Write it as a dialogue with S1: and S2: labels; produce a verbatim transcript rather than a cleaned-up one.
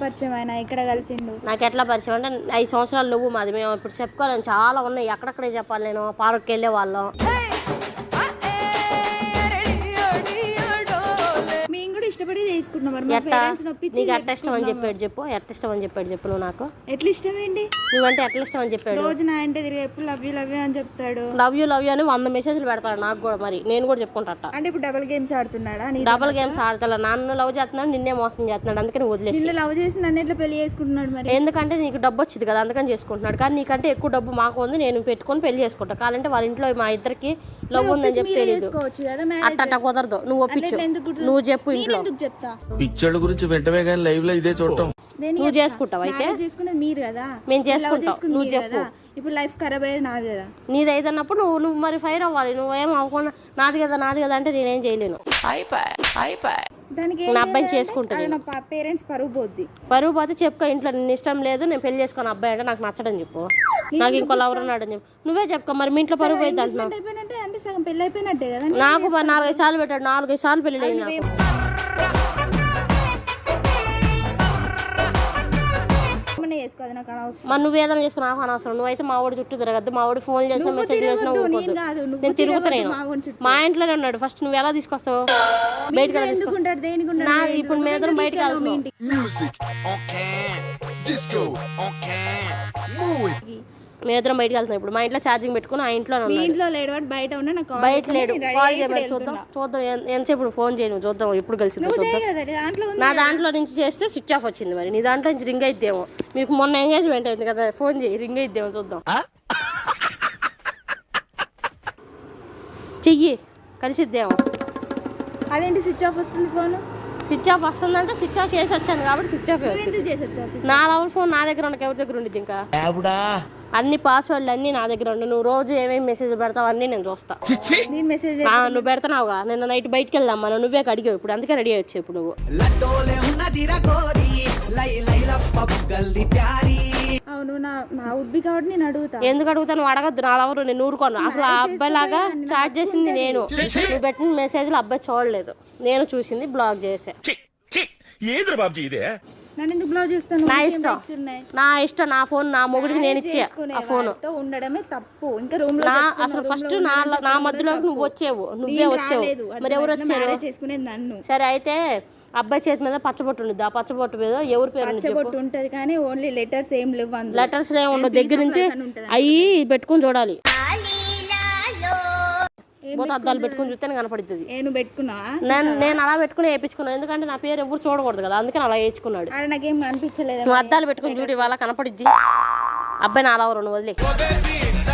S1: పరిచయం ఆయన ఇక్కడ కలిసిండు?
S2: నాకు ఎట్లా పరిచయం అంటే ఐదు సంవత్సరాలు నువ్వు మాది మేము ఇప్పుడు చెప్పుకోలేము చాలా ఉన్నాయి ఎక్కడెక్కడే చెప్పాలి నేను పార్క్కి వెళ్ళే వాళ్ళం
S1: ఇష్టపడి తీసుకుంటున్నాం
S2: నీకు ఎట్లా ఇష్టం అని చెప్పాడు చెప్పు ఎట్లా ఇష్టం అని చెప్పాడు చెప్పు నువ్వు నాకు
S1: ఎట్లా ఇష్టం ఏంటి
S2: నువ్వంటే ఎట్లా ఇష్టం అని చెప్పాడు
S1: రోజు నా అంటే తిరిగి ఎప్పుడు లవ్ యూ లవ్ యూ అని చెప్తాడు
S2: లవ్ యూ లవ్ యూ అని వంద మెసేజ్లు పెడతాడు నాకు కూడా మరి నేను కూడా చెప్పుకుంటా
S1: అంటే ఇప్పుడు డబుల్ గేమ్స్ ఆడుతున్నాడా
S2: డబుల్ గేమ్స్ ఆడతా నన్ను లవ్ చేస్తున్నాడు నిన్నే మోసం చేస్తున్నాడు అందుకని వదిలేసి
S1: నిన్ను లవ్ చేసి నన్ను ఎట్లా పెళ్లి చేసుకుంటున్నాడు మరి
S2: ఎందుకంటే నీకు డబ్బు వచ్చింది కదా అందుకని చేసుకుంటున్నాడు కానీ నీకంటే ఎక్కువ డబ్బు మాకు ఉంది నేను పెట్టుకొని పెళ్లి చేసుకుంటా కావాలంటే వాళ్ళ ఇంట్లో మా ఇద్దరికి లవ్ ఉందని చెప్తే తెలియదు అట్ట కుదరదు నువ్వు ఒప్పించు నువ్వు చెప్పు ఇంట్లో
S3: పిచ్చోళ్ళ గురించి వెంటనే కానీ లైవ్ లో ఇదే చూడటం
S2: నువ్వు చేసుకుంటావు అయితే
S1: చేసుకునేది మీరు కదా
S2: మేము చేసుకుంటాం నువ్వు చెప్పు
S1: ఇప్పుడు లైఫ్ ఖరాబ్ అయ్యేది నాది కదా
S2: నీది అయితేనప్పుడు నువ్వు నువ్వు మరి ఫైర్ అవ్వాలి నువ్వేం అవ్వకుండా నాది కదా నాది కదా అంటే నేనేం చేయలేను
S1: దానికి
S2: నా అబ్బాయిని చేసుకుంటాను
S1: పేరెంట్స్ పరువు పోద్ది
S2: పరువు పోతే చెప్పుకో ఇంట్లో నేను ఇష్టం లేదు నేను పెళ్లి చేసుకుని అబ్బాయి అంటే నాకు నచ్చడం చెప్పు నాకు ఇంకో లవర్ ఉన్నాడు అని చెప్పు నువ్వే చెప్పుకో మరి మీ ఇంట్లో పరువు పోయింది అంటున్నావు
S1: అంటే సగం పెళ్లి అయిపోయినట్టే కదా
S2: నాకు నాలుగైదు సార్లు పెట్టాడు నాలుగైదు సార్లు పెళ్లి లేదు నాకు మరి నువ్వు ఏదైనా చేసుకుని నాకు అనవసరం నువ్వైతే మా వాడు చుట్టూ తిరగద్దు మా వాడు ఫోన్ చేసినా మెసేజ్ చేసినా నేను తిరుగుతున్నాను మా ఇంట్లోనే ఉన్నాడు ఫస్ట్ నువ్వు ఎలా తీసుకొస్తావు బయటకు ఎలా తీసుకొస్తావు నా ఇప్పుడు మేము ఇద్దరం బయటకు వెళ్తాం మేము ఇద్దరం బయటకు వెళ్తాం ఇప్పుడు మా ఇంట్లో ఛార్జింగ్ పెట్టుకుని ఆ ఇంట్లో
S1: బయట
S2: బయట లేడు కాల్ చేయమని చూద్దాం చూద్దాం ఎంతసేపు ఫోన్ చేయను చూద్దాం ఎప్పుడు కలిసిందో చూద్దాం నా దాంట్లో నుంచి చేస్తే స్విచ్ ఆఫ్ వచ్చింది మరి నీ దాంట్లో నుంచి రింగ్ అయిద్దేమో మీకు మొన్న ఎంగేజ్మెంట్ అయింది కదా ఫోన్ చేయి రింగ్ అయిద్దేమో చూద్దాం చెయ్యి కలిసిద్దేమో
S1: అదేంటి స్విచ్ ఆఫ్ వస్తుంది ఫోన్
S2: స్విచ్ ఆఫ్ వస్తుందంటే స్విచ్ ఆఫ్ చేసి వచ్చాను కాబట్టి స్విచ్ ఆఫ్ వచ్చింది నా లవర్ ఫోన్ నా దగ్గర ఉండక ఎవరి దగ్గర ఉండేది ఇంకా అన్ని పాస్వర్డ్లు అన్ని నా దగ్గర ఉండు నువ్వు రోజు ఏమేమి మెసేజ్ పెడతావు అన్ని నేను చూస్తా నువ్వు పెడతావుగా నిన్న నైట్ బయటకు వెళ్దాం మనం నువ్వే అడిగావు ఇప్పుడు అందుకే రెడీ అయ్యొచ్చు ఇప్పుడు నువ్వు
S1: అవును నా నా ఉడ్బి కాబట్టి నేను అడుగుతా
S2: ఎందుకు అడుగుతాను అడగద్దు నా లవరు నేను ఊరుకోను అసలు ఆ అబ్బాయి లాగా చాట్ చేసింది నేను నువ్వు పెట్టిన మెసేజ్లు అబ్బాయి చూడలేదు నేను చూసింది బ్లాక్ చేసా నా ఇష్టం నా ఇష్టం నా ఫోన్ నా మొగుడికి నేను ఇచ్చా ఆ ఫోన్
S1: ఉండడమే తప్పు ఇంకా రూమ్ లో
S2: అసలు ఫస్ట్ నా నా మధ్యలోకి నువ్వు వచ్చేవు నువ్వే వచ్చావు మరి ఎవరు వచ్చారు
S1: చేసుకునేది నన్ను
S2: సరే అయితే అబ్బాయి చేతి మీద పచ్చబొట్టు ఉంది ఆ పచ్చబొట్టు మీద ఎవరి పేరు
S1: పచ్చబొట్టు ఉంటది కానీ ఓన్లీ లెటర్స్ ఏం లేవు
S2: లెటర్స్ ఏం ఉండవు దగ్గర నుంచి అయ్యి పెట్టుకుని చూడాలి అద్దాలు పెట్టుకుని చూస్తే కనపడుతుంది
S1: నేను పెట్టుకున్నా
S2: నేను అలా పెట్టుకుని వేయించుకున్నాను ఎందుకంటే నా పేరు ఎవరు చూడకూడదు కదా అందుకని అలా వేయించుకున్నాడు
S1: నాకేం అనిపించలేదు
S2: నువ్వు అద్దాలు పెట్టుకుని చూడు ఇవాళ కనపడిద్ది అబ్బాయి నా అలా నువ్వు వదిలే